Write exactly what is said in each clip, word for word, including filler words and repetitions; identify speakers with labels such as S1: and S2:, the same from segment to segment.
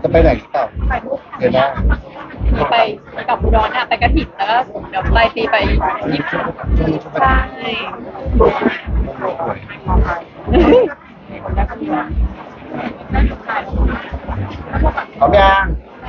S1: จะไปไหนหรือเปล่าเดือนหน้า
S2: ไปกับอุดรเนี่ยไปกระถิ่นแล้วก็เดี๋ยวปลายปีไปญี่ปุ่นใช่
S1: พร้อมยัง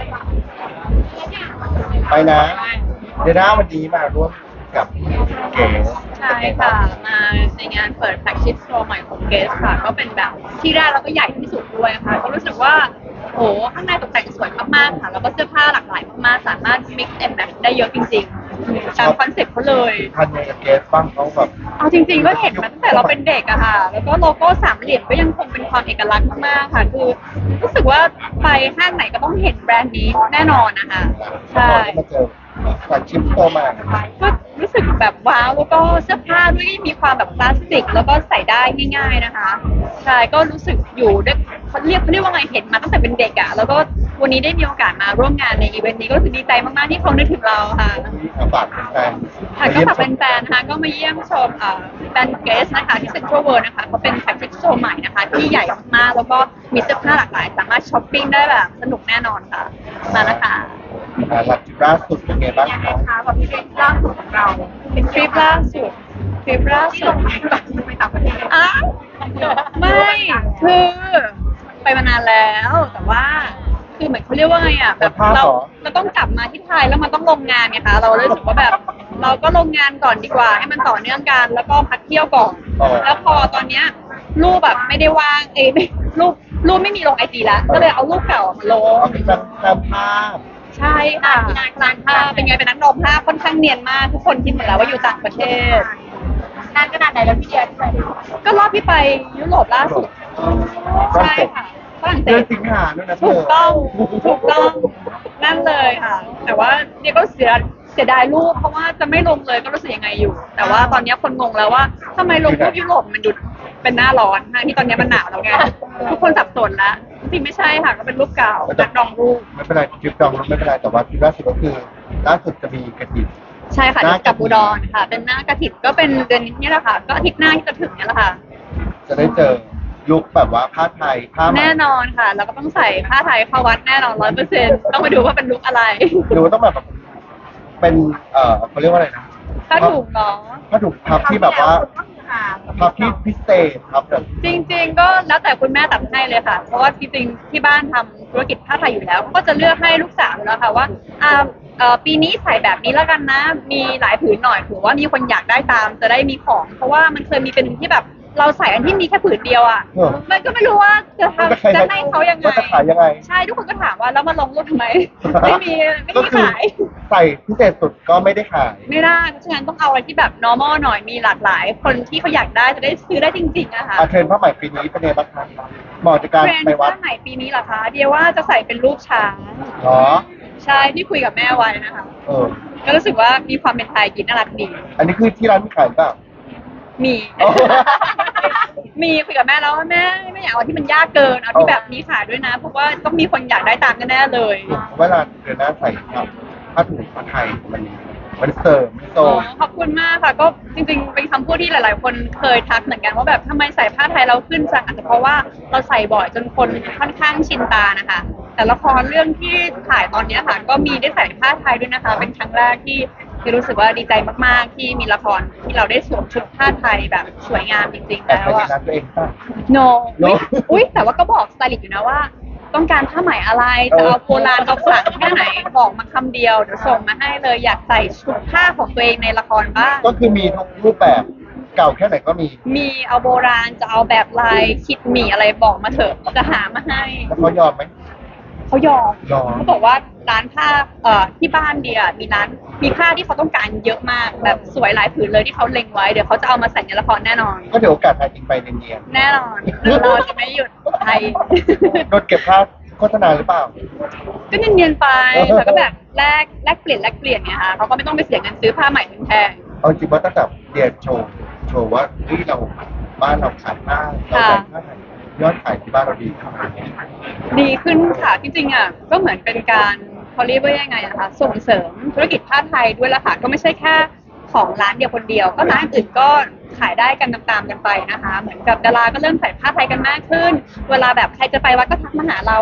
S1: ไปนะเดือนหน้าวันนี้มาร่วมกับเก๋
S2: ใช่ค่ะมาในงานเปิดแฟลกชิพโชว์ใหม่ของเกสค่ะก็เป็นแบบที่แรกแล้วก็ใหญ่ที่สุดด้วยค่ะก็รู้สึกว่าโอ้ข้างในตกแต่งสวยมากๆค่ะแล้วก็เสื้อผ้าหลากหลายมากๆสามารถ mix and match ได้เยอะจริงๆตามคอนเซ็ปต์เขาเลย
S1: ทันในกับเกสบ้างเขาแบบ
S2: เอาจริงๆก็เห็นมาตั้งแต่เราเป็นเด็กอะค่ะ แล้วก็โลโก้สามเหลี่ยมก็ยังคงเป็นความเอกลักษณ์มากๆค่ะ คือรู้สึกว่าไปห้างไหนก็ต้องเห็นแบรนด์นี้แน่นอนนะคะ ใช่
S1: มาเจอแฟลกชิพโตมา
S2: ก็รู้สึกแบบว้าวแล้วก็เสื้อผ้าด้วยมีความแบบคลาสสิกแล้วก็ใส่ได้ง่าย ๆนะคะ ใช่ ก็รู้สึกอยู่ด้วยเขาเรียกเขาเรียกว่าไงเห็นมาตั้งแต่เป็นเด็กอะแล้วก็วันนี้ได้มีโอกาสมาร่วมงานในอีเวนต์นี้ก็รู้สึกดีใจมากๆที่เขานึกถึงเราค่ะ
S1: ฝากแฟน
S2: ค่ะก็ฝากแฟนๆนะคะก็มาเยี่ยมชมเอ่อแบรนด์เกสนะคะที่เซ็นทรัลเวิลด์นะคะเขาเป็นแฟลกชิพโชว์ใหม่นะคะที่ใหญ่มากๆแล้วก็มีเสื้อผ้าหลากหลาย สามารถช้อปปิ้งได้แบบสนุกแน่นอนค่ะมานะคะ
S1: หลักล่าสุดเป็นไงบ้าง
S2: ยัง
S1: ค
S2: ไง
S1: รับ
S2: คะแบบทริปล่าสุดของเราเป็นทริปล่าสุดทริปล่าสุดไปต่างประเทศอ้าวไม่คือไปมานานแล้วแต่ว่าคือเหมือนเขาเรียกว่าไงอ่ะแบบเราเราต้องกลับมาที่ไทยแล้วมันต้องลงงานไงคะเราเลยรู้สึกว่าแบบเราก็ลงงานก่อนดีกว่าให้มันต่อเนื่องกันแล้วก็พักเที่ยวก่อนแล้วพอตอนเนี้ยรูปแบบไม่ได้ว่างเอยไม่รูปรูปไม่มีลงไอจีแล้วก็เลยเอารูปเก่ามาลง
S1: เอาเป็นจำจำภาพ
S2: ใช่ค่ะร้านผ้าเป็นไงเป็นนักดมผ้าค่อนข้างเนียนมากทุกคนคิดหมดแล้วว่าอยู่ต่างประเทศนานขนาดไหนแล้วพี่เดียที่ไปก็รอบที่ไปยุโรปล่าสุดใช่ค่ะฝรั่งเศ
S1: เดือน
S2: ส
S1: สิงหาด้วยนะเธ
S2: ถูกต้องถูกต้องนั่นเลยค่ะ แต่ว่าเนี่ยก็เสียเสียดายรูปเพราะว่าจะไม่ลงเลยก็รู้สึกยังไงอยู่ แต่ว่าตอนนี้คนงงแล้วว่าทำไมลงรูปยุโรปมันดูเป็นหน้าร้อนทั้งที่ตอนนี้มันหนาวแล้วไงทุกคนสับสนแล้วจริงไม่ใช่ค่ะก็เป็นรูปเก่านักดองรูป
S1: ไม่เป็นไรคลิปดองรถไม่เป็นไรแต่ว่าคลิปล่าสุดก็คือล่าสุดจะมีกระถิ่น
S2: ใช่ค่ะ
S1: หน้าก
S2: กั
S1: ฐิ
S2: บ
S1: น
S2: อุดรค่ะ เป็นหน้ากระถิ่นก็เป็นเดือนนี้แหละค่ะ ก็อาทิตย์หน้าที่จะถึงเนี้แหละค่ะ
S1: จะได้เจอลุคแบบว่าผ้าไทยผ้าไหม
S2: แน่นอนค่ะ แล้วก็ต้องใส่ผ้าไทยเข้าวัดแน่นอนร้อยเปอร์เซ็นต์ต้องมาดูว่าเป็นลุคอะไร
S1: ดูต้องแบบเป็นเอ่อเขาเรียกว่าอะไรนะ
S2: ถ้าถูกเนาะ
S1: ผ้าถุงพับที่แบบว่าพับที่พิเศษครับแบบ
S2: จริง ๆ ก็แล้วแต่คุณแม่ตัดให้เลยค่ะ เพราะว่าจริงๆที่บ้านทำธุรกิจผ้าไทยอยู่แล้ว ก็จะเลือกให้ลูกสาวอยู่แล้วค่ะว่าอ่าเอ่อปีนี้ใส่แบบนี้แล้วกันนะ มีหลายผืนหน่อยถือว่ามีคนอยากได้ตามจะได้มีของ เพราะว่ามันเคยมีเป็นที่แบบเราใส่อันที่มีแค่ผืนเดียวอ่ะ
S1: เออ
S2: มันก็ไม่รู้ว่าจะทำจะให้เขายังไง
S1: ว่าจะขายยังไง
S2: ใช่ทุกคนก็ถามว่าแล้วมาลงรูปทำไม ไม่มีไม่
S1: ก็
S2: มี
S1: คือ
S2: ขาย
S1: ใส่พิเศษสุดก็ไม่ได้ขาย
S2: ไม่ได้เพราะฉะนั้นต้องเอาอะไรที่แบบ normal หน่อยมีหลากหลาย คนที่เขาอยากได้จะได้ซื้อได้จริงๆอะค่ะ
S1: อาเทรนด์ผ้าไหมปีนี้เป็นไงบ้างครับเหมาะจากการ
S2: เทรนด์
S1: ไปวัด
S2: ผ้าไหมปีนี้เหรอคะเดียว่าจะใส่เป็นรูปช้าง
S1: เหรอ
S2: ใช่ที่คุยกับแม่ไว้นะคะ
S1: เออ
S2: ก็รู้สึกว่ามีความเป็นไทยกินน่ารักดี
S1: อันนี้คือที่ร้านมีขายเปล่า
S2: มี
S1: อ๋อ
S2: มีคุยกับแม่แล้วว่าแม่ไม่อยากเอาที่มันยากเกินเอาที่แบบมีขายด้วยนะเพราะว่าต้องมีคนอยากได้ตามแน่ๆเลย
S1: เวลาเดือนหน้าใส่ครับผ้าถุงผ้าไทยมันมันเสริมมันโซ
S2: อ๋อขอบคุณมากค่ะก็จริงๆเป็นคำพูดที่หลาย ๆ คนเคยทักเหมือนกันว่าแบบทำไมใส่ผ้าไทยเราขึ้นจังอาจจะเพราะว่าเราใส่บ่อยจนคนค่อนข้างชินตานะคะ แต่ละครเรื่องที่ถ่ายตอนเนี้ยค่ะ ก็มีได้ใส่ผ้าไทยด้วยนะคะ เป็นครั้งแรกที่ที่รู้สึกว่าดีใจมากๆ ที่มีละครที่เราได้สวมชุดผ้าไทยแบบสวยงามจริงๆ
S1: แต่
S2: แล้ว
S1: ใส่
S2: อะ
S1: ร้านตัวเองป่ะ
S2: no
S1: No
S2: อุ๊ยอุ๊ยแต่ว่าก็บอกสไตลิสต์อยู่นะว่า ต้องการผ้าไหมอะไรจะเอาโบราณเอาขลังแค่ไหนบอกมาคำเดียวเดี๋ยวส่งมาให้เลยอยากใส่ชุดผ้าของตัวเองในละครบ้าง
S1: ก็คือมีทุกรูปแบบเก่าแค่ไหนก็มี
S2: มีเอาโบราณจะเอาแบบลายคิดหมี่อะไรบอกมาเถอะจะหามาให้
S1: แล้วเขายอมไหม
S2: เขายอม
S1: ยอม
S2: เขาบอกว่าร้านผ้าเอ่อที่บ้านเดียมีร้านมีผ้าที่เขาต้องการเยอะมากแบบสวยหลายผืนเลยที่เขาเล็งไว้เดี๋ยวเขาจะเอามาใส่ในละครแน่นอน
S1: ก็เดี๋ยวโอกาสไทยจริงไปเนียน
S2: แน่นอนเราจะไม่หยุดไทย
S1: ๆโดนเก็บค่าโฆษณาหรือเปล่า
S2: ก็เนียนๆไปแล้วก็แบบแลกแลกเปลี่ยนแลกเปลี่ยนไงคะเขาก็ไม่ต้องไปเสียเงินซื้อผ้าใหม่แพง
S1: เอาจริงว่าตั้งแต่เรียนโชว์โชว์ว่าเฮ้ยเราบ้านเราขายผ้าเราขายผ้าไทยยอดขายที่บ้านเราดีขึ้น
S2: ๆดีขึ้นค่ะจริงๆอ่ะก็เหมือนเป็นการเขาเรียกว่ายังไงอะคะส่งเสริมธุรกิจผ้าไทยด้วยละค่ะก็ไม่ใช่แค่ของร้านเดียวคนเดียว ก็ร้านอื่นก็ขายได้กันตามๆกันไปนะคะ เหมือนกับดาราก็เริ่มใส่ผ้าไทยกันมากขึ้น เวลาแบบใครจะไปวัดก็ทักมาหาเราว่าแบบ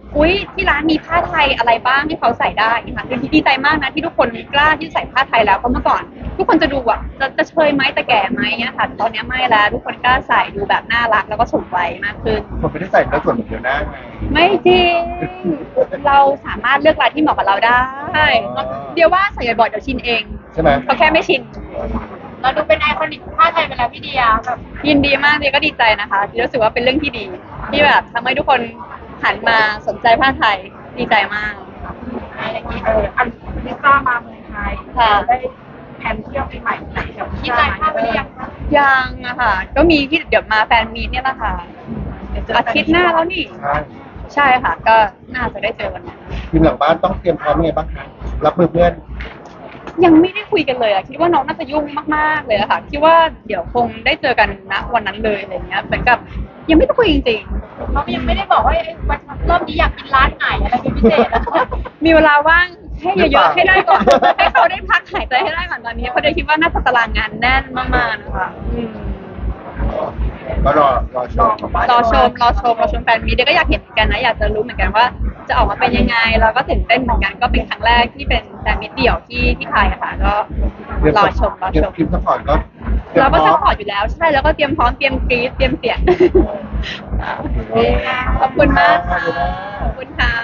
S2: อุ๊ยที่ร้านมีผ้าไทยอะไรบ้างให้เขาใส่ได้ค่ะคือดีใจมากนะที่ทุกคนกล้าที่ใส่ผ้าไทยแล้วเพราะเมื่อก่อน ทุกคนจะดูอ่ะจะจะเชยไหมแต่แก่ไหมเนี่ยค่ะตอนนี้ไม่แล้วทุกคนกล้าใส่ดูแบบน่ารักแล้วก็สมวัยมากขึ้น
S1: ผมไม่ได้ใส่แล้วส่วนเหมือนเดียวหน้าไง
S2: ไม่จริง เราสามารถเลือกลายที่เหมาะกับเราได้
S1: อ๋อ
S2: เดี๋ยวว่าใส่บ่อยๆเดี๋ยวชินเอง
S1: ใช่ไหม
S2: เขาแค่ไม่ชิน
S3: เราดูเป็นไอคอนิกผ้าไทยไปแล้วพี่เดียแบบ
S2: ยินดีมากเลยก็ดีใจนะคะที่รู้สึกว่าเป็นเรื่องที่ดี ที่แบบทำให้ทุกคนหันมาสนใจผ้าไทยดีใจมาก
S3: อะไรอย่างนี้เอออันลิซ่ามาเมืองไทย
S2: ค่ะ
S3: ได้แผนเที่ยวปีใหม่ไหนกับคิดอะไรภาพไปหรือยังคะ
S2: ยังอะค่ะ ก็มีที่เดี๋ยวมาแฟนมีตเนี่ยแหละค่ะอาทิตย์หน้าแล้วนี่
S1: ใช่
S2: ใช่ค่ะ ก็น่าจะได้เจอวันนั้น
S1: ทีมหลังบ้านต้องเตรียมพร้อมยังไงบ้างคะรับมือเพื่อน
S2: ยังไม่ได้คุยกันเลยอะคิดว่าน้องน่าจะยุ่งมากๆเลยอะค่ะคิดว่าเดี๋ยวคงได้เจอกันณวันนั้นเลยอะไรเงี้ยเหมือนกับยังไม่ได้คุยจริง
S3: เขายังไม่ได้บอกว่าเอ้ยวันรอบนี้อยากกินร้านไหนอะไรเป็นพิเศษอะ
S2: ๆมีเวลาว่างให้เยอะๆให้ได้ก่อน ให้เขาได้พักหายใจให้ได้ก่อนตอนนี้เพราะเดี๋ยวคิดว่าน่าจะตารางงานแน่นมากๆนะคะอืม
S1: ก็รอรอชม
S2: รอชมรอชมรอชมแฟนมีตเดี๋ยวก็อยากเห็นเหมือนกันนะอยากจะรู้เหมือนกันว่าจะออกมาเป็นยังไงเราก็ตื่นเต้นเหมือนกันก็เป็นครั้งแรกที่เป็นแฟนมีตเดี่ยวที่ที่ไทยอะค่ะก็รอชมรอ
S1: เตรีย
S2: ช
S1: ม
S2: ม
S1: คลิปสปอร์ตก็ตยม
S2: เราก็
S1: พ
S2: ซั
S1: ร้
S2: พ
S1: อม
S2: พอร์ตอยู่แล้วใช่แล้วก็เตรียมพร้อมเตรียมกรี๊ดเตรียมเสียง ขอบคุณมากค่ะขอบคุณค่ะ